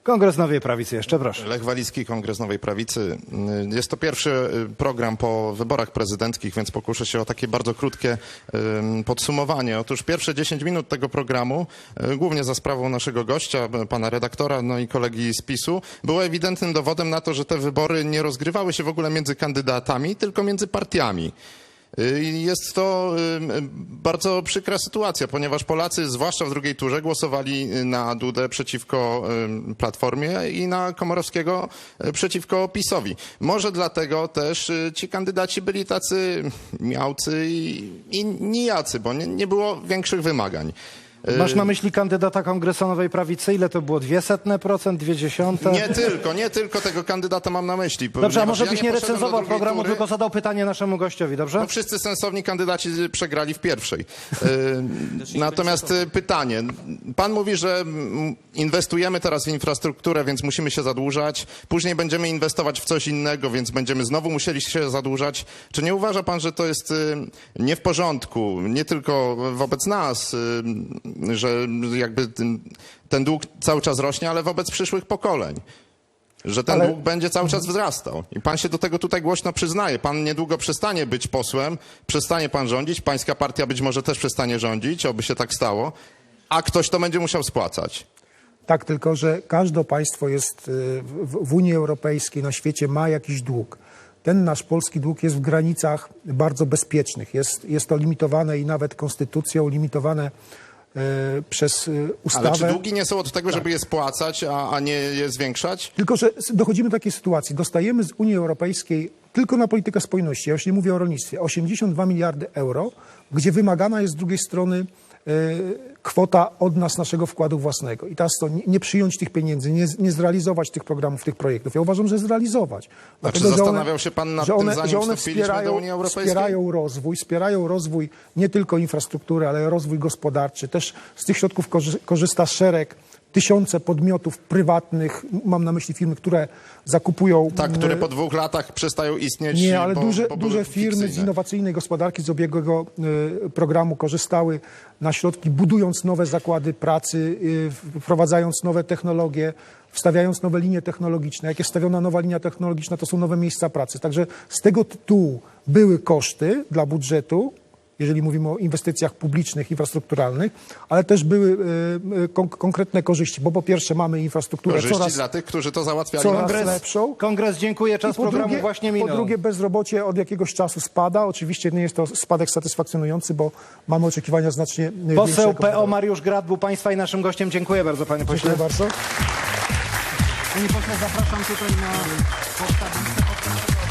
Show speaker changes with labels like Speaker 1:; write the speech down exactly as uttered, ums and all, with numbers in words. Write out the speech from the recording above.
Speaker 1: Kongres Nowej Prawicy jeszcze, proszę.
Speaker 2: Lech Walicki, Kongres Nowej Prawicy. Jest to pierwszy program po wyborach prezydenckich, więc pokuszę się o takie bardzo krótkie podsumowanie. Otóż pierwsze dziesięć minut tego programu, głównie za sprawą naszego gościa, pana redaktora, no i kolegi z PiSu, było ewidentnym dowodem na to, że te wybory nie rozgrywały się w ogóle między kandydatami, tylko między partiami. Jest to bardzo przykra sytuacja, ponieważ Polacy, zwłaszcza w drugiej turze, głosowali na Dudę przeciwko Platformie i na Komorowskiego przeciwko PiSowi. Może dlatego też ci kandydaci byli tacy miałcy i, i nijacy, bo nie, nie było większych wymagań.
Speaker 1: Masz na myśli kandydata Kongresu Nowej Prawicy? Ile to było? Dwie setne procent? Dwie dziesiąte?
Speaker 2: Nie tylko, nie tylko tego kandydata mam na myśli.
Speaker 1: Dobrze, a może byś
Speaker 2: ja
Speaker 1: nie,
Speaker 2: nie
Speaker 1: recenzował programu,
Speaker 2: tury.
Speaker 1: tylko zadał pytanie naszemu gościowi, dobrze?
Speaker 2: No wszyscy sensowni kandydaci przegrali w pierwszej. Natomiast pytanie. Pan mówi, że inwestujemy teraz w infrastrukturę, więc musimy się zadłużać. Później będziemy inwestować w coś innego, więc będziemy znowu musieli się zadłużać. Czy nie uważa pan, że to jest nie w porządku, nie tylko wobec nas, że jakby ten, ten dług cały czas rośnie, ale wobec przyszłych pokoleń? Że ten
Speaker 1: ale...
Speaker 2: dług będzie cały czas wzrastał. I pan się do tego tutaj głośno przyznaje. Pan niedługo przestanie być posłem, przestanie pan rządzić, pańska partia być może też przestanie rządzić, oby się tak stało, a ktoś to będzie musiał spłacać.
Speaker 3: Tak, tylko że każde państwo jest w, w Unii Europejskiej, na świecie ma jakiś dług. Ten nasz polski dług jest w granicach bardzo bezpiecznych. Jest, jest to limitowane i nawet konstytucją, limitowane e, przez ustawę.
Speaker 2: Ale czy długi nie są od tego, tak, żeby je spłacać, a, a nie je zwiększać?
Speaker 3: Tylko że dochodzimy do takiej sytuacji. Dostajemy z Unii Europejskiej tylko na politykę spójności, ja już nie mówię o rolnictwie, osiemdziesiąt dwa miliardy euro, gdzie wymagana jest z drugiej strony kwota od nas, naszego wkładu własnego. I teraz to nie, nie przyjąć tych pieniędzy, nie, nie zrealizować tych programów, tych projektów. Ja uważam, że zrealizować.
Speaker 2: A
Speaker 3: Dlatego,
Speaker 2: czy zastanawiał
Speaker 3: że one,
Speaker 2: się pan nad
Speaker 3: że one,
Speaker 2: tym, zanim
Speaker 3: że one
Speaker 2: wstąpiliśmy do Unii Europejskiej?
Speaker 3: wspierają rozwój, wspierają rozwój nie tylko infrastruktury, ale rozwój gospodarczy. Też z tych środków korzysta szereg, tysiące podmiotów prywatnych, mam na myśli firmy, które zakupują...
Speaker 2: Tak, które po dwóch latach przestają istnieć.
Speaker 3: Nie, ale
Speaker 2: bo,
Speaker 3: duże,
Speaker 2: bo
Speaker 3: duże firmy
Speaker 2: fikcyjne.
Speaker 3: z innowacyjnej gospodarki, z ubiegłego y, programu korzystały na środki, budując nowe zakłady pracy, y, wprowadzając nowe technologie, wstawiając nowe linie technologiczne. Jak jest stawiona nowa linia technologiczna, to są nowe miejsca pracy. Także z tego tytułu były koszty dla budżetu, jeżeli mówimy o inwestycjach publicznych, infrastrukturalnych, ale też były y, kon konkretne korzyści, bo po pierwsze mamy infrastrukturę
Speaker 2: korzyści
Speaker 3: coraz,
Speaker 2: dla tych, którzy to załatwiali.
Speaker 3: coraz
Speaker 1: Kongres,
Speaker 3: lepszą.
Speaker 1: Kongres, dziękuję, czas
Speaker 3: po
Speaker 1: programu
Speaker 3: drugie,
Speaker 1: właśnie minął.
Speaker 3: Po drugie, bezrobocie od jakiegoś czasu spada. Oczywiście nie jest to spadek satysfakcjonujący, bo mamy oczekiwania znacznie
Speaker 1: Poseł
Speaker 3: większego.
Speaker 1: P O Mariusz Grad był państwa i naszym gościem. Dziękuję bardzo, panie pośle.
Speaker 3: Dziękuję bardzo.
Speaker 1: Panie pośle, zapraszam tutaj na podstawę.